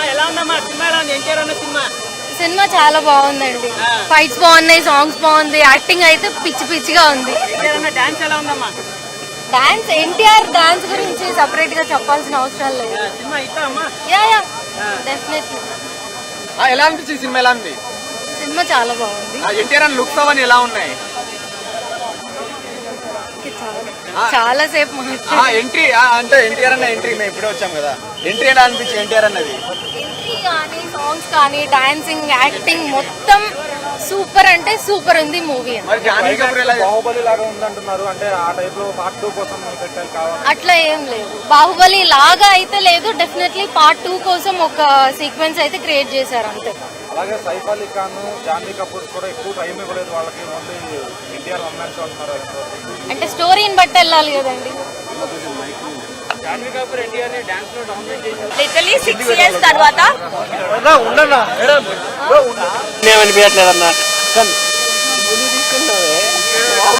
ఎలా ఉందమ్మా సినిమా? ఎలా ఉంది ఎన్టీఆర్ అన్న సినిమా? సినిమా చాలా బాగుందండి. ఫైట్స్ బాగున్నాయి, సాంగ్స్ బాగుంది, యాక్టింగ్ అయితే పిచ్చి పిచ్చిగా ఉంది. ఎన్టీఆర్ అన్న డాన్స్ ఎలా ఉందమ్మా? డాన్స్ ఎన్టీఆర్ డాన్స్ గురించి సెపరేట్ గా చెప్పాల్సిన అవసరం లేదు. సినిమా ఇస్తా అమ్మా? Yeah definitely. ఎలా అనిపించింది సినిమా? ఎలా ఉంది సినిమా? చాలా బాగుంది. ఎన్టీఆర్ అని లుక్స్ అవన్నీ ఎలా ఉన్నాయి? చాలా సేపు ఎంట్రీ అంటే ఎన్టీఆర్ అన్న ఎంట్రీ మేము ఇప్పుడే వచ్చాం కదా, ఎంట్రీ ఎలా అనిపించింది ఎన్టీఆర్ అన్నది? ఎంట్రీ కానీ సాంగ్స్ కానీ డాన్సింగ్ యాక్టింగ్ మొత్తం సూపర్ అంటే సూపర్ ఉంది మూవీ. బాహుబలి లాగా ఉందంటున్నారు, అంటే ఆ టైప్ లో పార్ట్ 2 కోసం పెట్టాలి. అట్లా ఏం లేదు, బాహుబలి లాగా అయితే లేదు. డెఫినెట్లీ పార్ట్ 2 కోసం ఒక సీక్వెన్స్ అయితే క్రియేట్ చేశారు అంతే. అలాగే సైఫ్ అలీ ఖాన్, జాన్వీ కపూర్ కూడా ఎక్కువ టైం ఇవ్వలేదు వాళ్ళకి, only NTR one man show అంటున్నారు. అంటే స్టోరీని బట్టి వెళ్ళాలి కదండి. జాన్వీ కపూర్ ఎన్టీఆర్ ని డాన్స్ లో డామినేట్ చేశారు. లిటరలీ 6 years తర్వాత ఉండన్నా ఏమనిపించట్లేదన్నా